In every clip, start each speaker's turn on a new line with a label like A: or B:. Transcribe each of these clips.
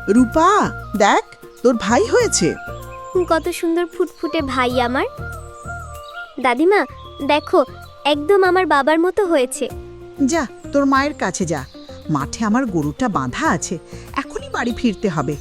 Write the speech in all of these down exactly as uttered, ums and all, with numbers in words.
A: রূপা, দেখ তোর ভাই হয়েছে।
B: কত সুন্দর ফুটফুটে ভাই আমার। দাদিমা দেখো, একদম আমার বাবার মতো হয়েছে।
A: যা তোর মায়ের কাছে যা, মাঠে আমার গরুটা বাঁধা আছে, এখনই বাড়ি ফিরতে হবে।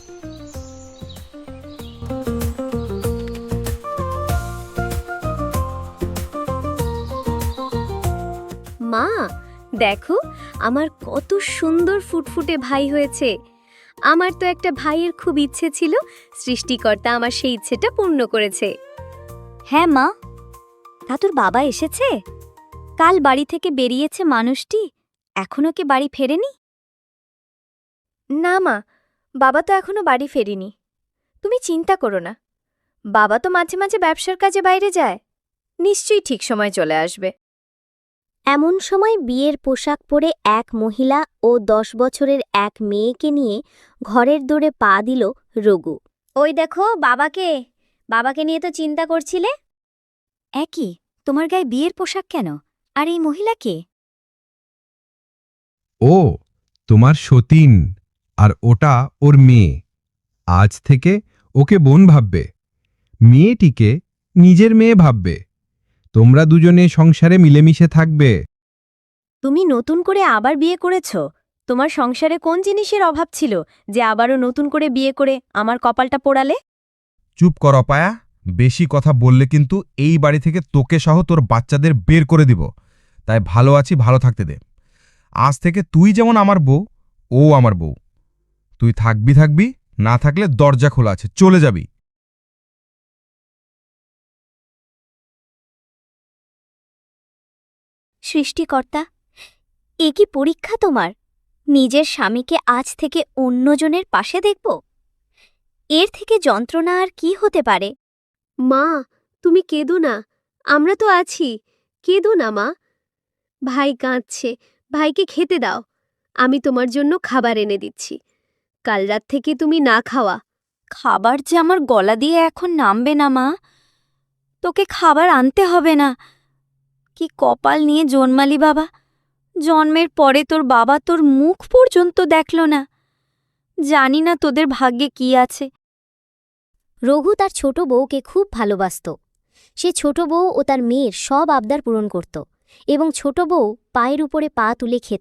B: মা দেখো, আমার কত সুন্দর ফুটফুটে ভাই হয়েছে। আমার তো একটা ভাইয়ের খুব ইচ্ছে ছিল, সৃষ্টিকর্তা আমার সেই ইচ্ছেটা পূর্ণ করেছে। হ্যাঁ মা, তা তোর বাবা এসেছে? কাল বাড়ি থেকে বেরিয়েছে মানুষটি, এখনো কি বাড়ি ফেরেনি? না মা, বাবা তো এখনো বাড়ি ফেরেনি। তুমি চিন্তা করো না, বাবা তো মাঝে মাঝে ব্যবসার কাজে বাইরে যায়, নিশ্চয়ই ঠিক সময় চলে আসবে। এমন সময় বিয়ের পোশাক পরে এক মহিলা ও দশ বছরের এক মেয়েকে নিয়ে ঘরের দোরে পা দিল রঘু। ওই দেখো বাবাকে, বাবাকে নিয়ে তো চিন্তা করছিলে। একই, তোমার গায়ে বিয়ের পোশাক কেন? আর এই মহিলা কে?
C: ও তোমার সতীন, আর ওটা ওর মেয়ে। আজ থেকে ওকে বোন ভাববে, মেয়েটিকে নিজের মেয়ে ভাববে। তোমরা দুজনে সংসারে মিলেমিশে থাকবে।
B: তুমি নতুন করে আবার বিয়ে করেছ? তোমার সংসারে কোন জিনিসের অভাব ছিল যে আবারও নতুন করে বিয়ে করে আমার কপালটা পোড়ালে?
C: চুপ কর অপায়া, বেশি কথা বললে কিন্তু এই বাড়ি থেকে তোকে সহ তোর বাচ্চাদের বের করে দিব। তাই ভালো আছি, ভালো থাকতে দে। আজ থেকে তুই যেমন আমার বউ, ও আমার বউ। তুই থাকবি থাকবি, না থাকলে দরজা খোলা আছে, চলে যাবি।
B: সৃষ্টিকর্তা, এ কি পরীক্ষা তোমার? নিজের স্বামীকে আজ থেকে অন্যজনের পাশে দেখব? এর থেকে যন্ত্রণা আর কি হতে পারে? মা, তুমি কেঁদো না, আমরা তো আছি, কেঁদো না মা। ভাই কাঁদছে, ভাইকে খেতে দাও। আমি তোমার জন্য খাবার এনে দিচ্ছি। কাল রাত থেকে তুমি না খাওয়া। খাবার যে আমার গলা দিয়ে এখন নামবে না মা, তোকে খাবার আনতে হবে না। কি কপাল নিয়ে জন্মালি বাবা, জন্মের পরে তোর বাবা তোর মুখ পর্যন্ত দেখল না। জানি না তোদের ভাগ্যে কি আছে। রঘু তার ছোট বউকে খুব ভালোবাসত। সে ছোট বউ ও তার মেয়ের সব আবদার পূরণ করত এবং ছোট বউ পায়ের উপরে পা তুলে খেত।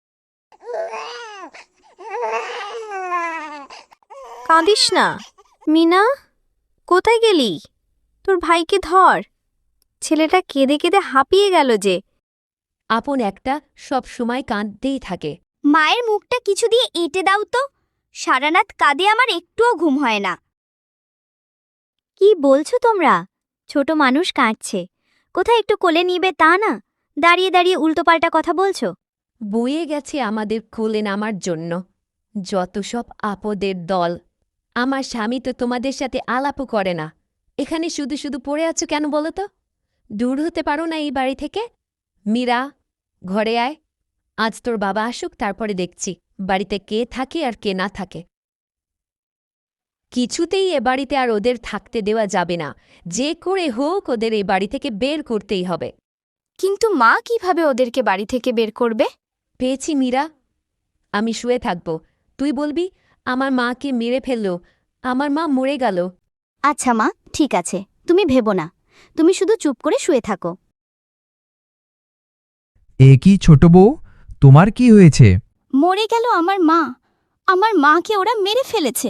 B: কাঁদিস না মিনা, কোথায় গেলি? তোর ভাইকে ধর, ছেলেটা কেঁদে কেঁদে হাঁপিয়ে গেল যে।
D: আপন একটা সব সময় কাঁদতেই থাকে।
B: মায়ের মুখটা কিছু দিয়ে এঁটে দাও তো, সারা রাত কাঁদে আমার একটুও ঘুম হয় না। কি বলছো তোমরা? ছোট মানুষ কাঁদছে, কোথায় একটু কোলে নিবে তা না, দাঁড়িয়ে দাঁড়িয়ে উল্টোপাল্টা কথা বলছো।
D: বয়ে গেছে আমাদের কোলে নামার জন্য যত সব আপদের দল। আমার স্বামী তো তোমাদের সাথে আলাপও করে না। এখানে শুধু শুধু পড়ে আছো কেন বলো তো? দূর হতে পারো না এই বাড়ি থেকে? মীরা, ঘরে আয়। আজ তোর বাবা আসুক, তারপরে দেখছি বাড়িতে কে থাকে আর কে না থাকে। কিছুতেই এ বাড়িতে আর ওদের থাকতে দেওয়া যাবে না। যে করে হোক ওদের এই বাড়ি থেকে বের করতেই হবে।
B: কিন্তু মা কিভাবে ওদেরকে বাড়ি থেকে বের করবে?
D: পেয়েছি মীরা, আমি শুয়ে থাকব, তুই বলবি আমার মাকে মেরে ফেলল, আমার মা মরে গেল।
B: আচ্ছা মা, ঠিক আছে, তুমি ভেবো না, তুমি শুধু চুপ করে শুয়ে থাকো।
E: এ কি ছোট বউ, তোমার কি হয়েছে?
B: মরে গেল আমার মা, আমার মাকে ওরা মেরে ফেলেছে।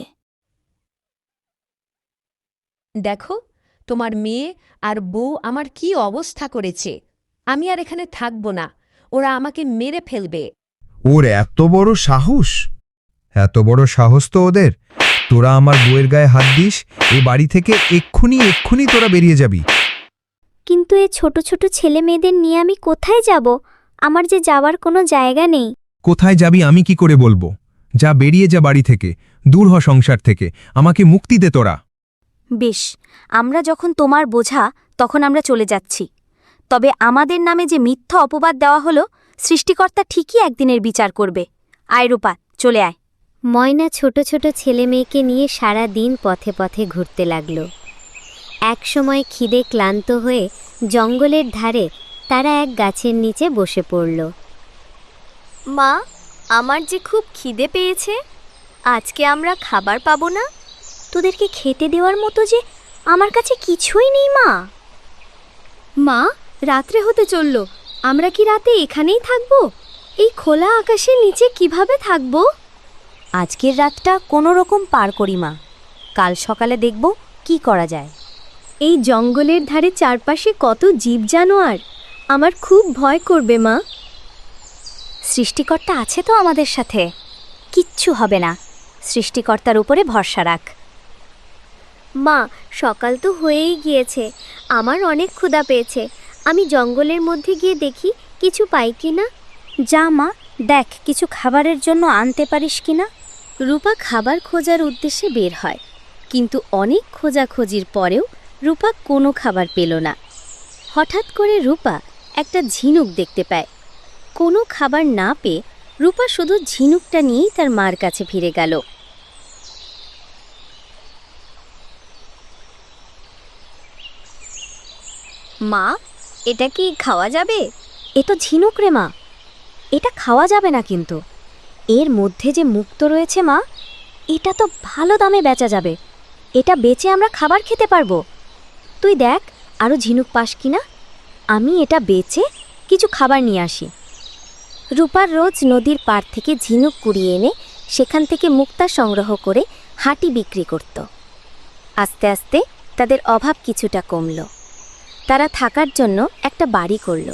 D: দেখো তোমার মেয়ে আর বউ আমার কি অবস্থা করেছে। আমি আর এখানে থাকব না, ওরা আমাকে মেরে ফেলবে।
C: ওর এত বড় সাহস! এত বড় সাহস তো ওদের! তোরা আমার বউয়ের গায়ে হাত দিস, এ বাড়ি থেকে এক্ষুনি এক্ষুনি তোরা বেরিয়ে যাবি।
B: কিন্তু এ ছোট ছোট ছেলে মেয়েদের নিয়ে আমি কোথায় যাব? আমার যে যাওয়ার কোনো জায়গা নেই।
C: কোথায় যাবি আমি কি করে বলবো? যা, বেরিয়ে যা বাড়ি থেকে, দূর হ সংসার থেকে, আমাকে মুক্তি দে তোরা।
B: বেশ, আমরা যখন তোমার বোঝা তখন আমরা চলে যাচ্ছি। তবে আমাদের নামে যে মিথ্যা অপবাদ দেওয়া হলো, সৃষ্টিকর্তা ঠিকই একদিনের বিচার করবে। আয় রূপা, চলে আয়। ময়না ছোট ছোট ছেলে মেয়েকে নিয়ে সারা দিন পথে পথে ঘুরতে লাগল। একসময় খিদে ক্লান্ত হয়ে জঙ্গলের ধারে তারা এক গাছের নিচে বসে পড়ল। মা, আমার যে খুব খিদে পেয়েছে। আজকে আমরা খাবার পাবো না? তোদেরকে খেতে দেওয়ার মতো যে আমার কাছে কিছুই নেই মা। মা, রাত্রে হতে চলল, আমরা কি রাতে এখানেই থাকবো? এই খোলা আকাশের নিচে কিভাবে থাকবো? আজকের রাতটা কোনো রকম পার করি মা, কাল সকালে দেখব কি করা যায়। এই জঙ্গলের ধারে চারপাশে কত জীব জানোয়ার, আমার খুব ভয় করবে মা। সৃষ্টিকর্তা আছে তো আমাদের সাথে, কিচ্ছু হবে না, সৃষ্টিকর্তার উপরে ভরসা রাখ। মা, সকাল তো হয়েই গিয়েছে, আমার অনেক ক্ষুধা পেয়েছে, আমি জঙ্গলের মধ্যে গিয়ে দেখি কিছু পাই কি না। যা মা, দেখ কিছু খাবারের জন্য আনতে পারিস কিনা। রূপা খাবার খোঁজার উদ্দেশ্যে বের হয়, কিন্তু অনেক খোঁজাখোঁজির পরেও রূপা কোনো খাবার পেল না। হঠাৎ করে রূপা একটা ঝিনুক দেখতে পায়। কোনো খাবার না পেয়ে রূপা শুধু ঝিনুকটা নিয়েই তার মার কাছে ফিরে গেল। মা, এটা কি খাওয়া যাবে? এ তো ঝিনুক রে মা, এটা খাওয়া যাবে না, কিন্তু এর মধ্যে যে মুক্ত রয়েছে মা, এটা তো ভালো দামে বেচা যাবে, এটা বেচে আমরা খাবার খেতে পারবো। তুই দেখ আরও ঝিনুক পাস কিনা, আমি এটা বেচে কিছু খাবার নিয়ে আসি। রূপার রোজ নদীর পাড় থেকে ঝিনুক কুড়িয়ে এনে সেখান থেকে মুক্তা সংগ্রহ করে হাঁটি বিক্রি করত। আস্তে আস্তে তাদের অভাব কিছুটা কমল, তারা থাকার জন্য একটা বাড়ি করল।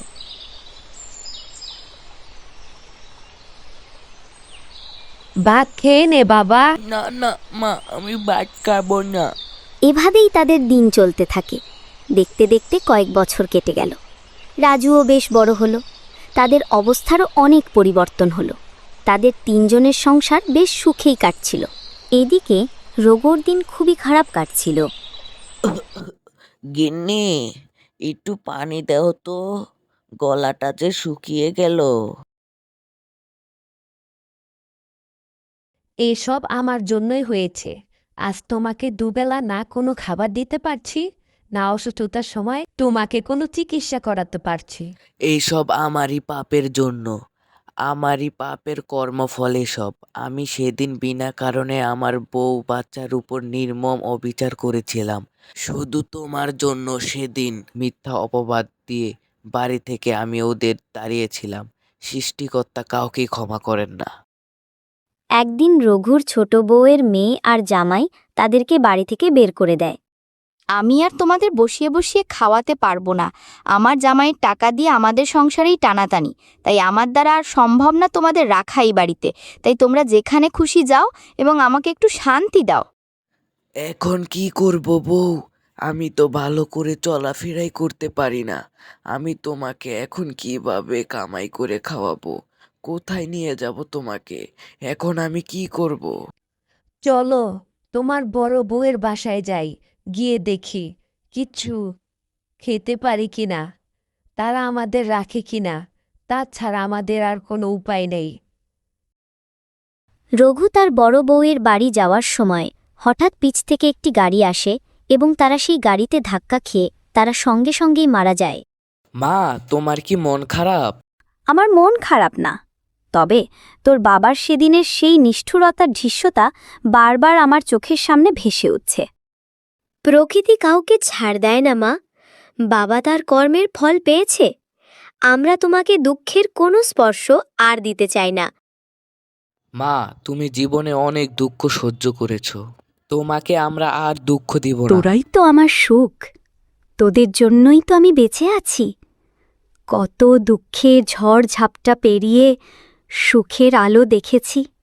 D: ভাত খেয়ে নে বাবা।
F: না না মা, আমি ভাত খাবো না।
B: এভাবেই তাদের দিন চলতে থাকে। দেখতে দেখতে কয়েক বছর কেটে গেল। রাজুও বেশ বড় হলো, তাদের অবস্থারও অনেক পরিবর্তন হলো। তাদের তিনজনের সংসার বেশ সুখেই কাটছিল। এদিকে রোগর দিন খুবই খারাপ কাটছিল।
F: গিন্নি, একটু পানি দাও তো, গলাটা যে শুকিয়ে গেল।
D: এসব আমার জন্যই হয়েছে। আজ তোমাকে দুবেলা না কোনো খাবার দিতে পারছি, না অসুস্থতার সময় তোমাকে কোনো চিকিৎসা করাতে পারছি।
F: এইসব আমারই পাপের জন্য, আমারই পাপের কর্মফল এসব। আমি সেদিন বিনা কারণে আমার বউ বাচ্চার উপর নির্মম অবিচার করেছিলাম। শুধু তোমার জন্য সেদিন মিথ্যা অপবাদ দিয়ে বাড়ি থেকে আমি ওদের তাড়িয়েছিলাম। সৃষ্টিকর্তা কাউকেই ক্ষমা করেন না।
B: একদিন রঘুর ছোট বউয়ের মেয়ে আর জামাই তাদেরকে বাড়ি থেকে বের করে দেয়।
G: আমি আর তোমাদের বসিয়ে বসিয়ে খাওয়াতে পারবো না। আমার জামাইয়ের টাকা দিয়ে আমাদের সংসারেই টানাটানি, তাই আমার দ্বারা আর সম্ভব না তোমাদের রাখা এই বাড়িতে। তাই তোমরা যেখানে খুশি যাও এবং আমাকে একটু শান্তি দাও।
F: এখন কি করব বউ? আমি তো ভালো করে চলাফেরাই করতে পারি না। আমি তোমাকে এখন কিভাবে কামাই করে খাওয়াবো? কোথায় নিয়ে যাব তোমাকে? এখন আমি কি করব?
D: চলো তোমার বড় বউয়ের বাসায় যাই, গিয়ে দেখি কিছু খেতে পারি কিনা, তারা আমাদের রাখে কিনা। তাছাড়া আমাদের আর কোনো উপায় নেই।
B: রঘু তার বড় বউয়ের বাড়ি যাওয়ার সময় হঠাৎ পিছ থেকে একটি গাড়ি আসে এবং তারা সেই গাড়িতে ধাক্কা খেয়ে তারা সঙ্গে সঙ্গেই মারা যায়।
F: মা, তোমার কি মন খারাপ?
B: আমার মন খারাপ না, তবে তোর বাবার সেদিনের সেই নিষ্ঠুরতার দৃশ্যটা বারবার আমার চোখের সামনে ভেসে উঠছে। প্রকৃতি কাউকে ছাড় দেয় না মা, বাবা তার কর্মের ফল পেয়েছে। আমরা তোমাকে দুঃখের কোনো স্পর্শ আর দিতে চাই না।
F: মা, তুমি জীবনে অনেক দুঃখ সহ্য করেছো, তোমাকে আমরা আর দুঃখ দিব না।
B: তোরাই তো আমার সুখ, তোদের জন্যই তো আমি বেঁচে আছি। কত দুঃখের ঝড় ঝাপটা পেরিয়ে সুখের আলো দেখেছি।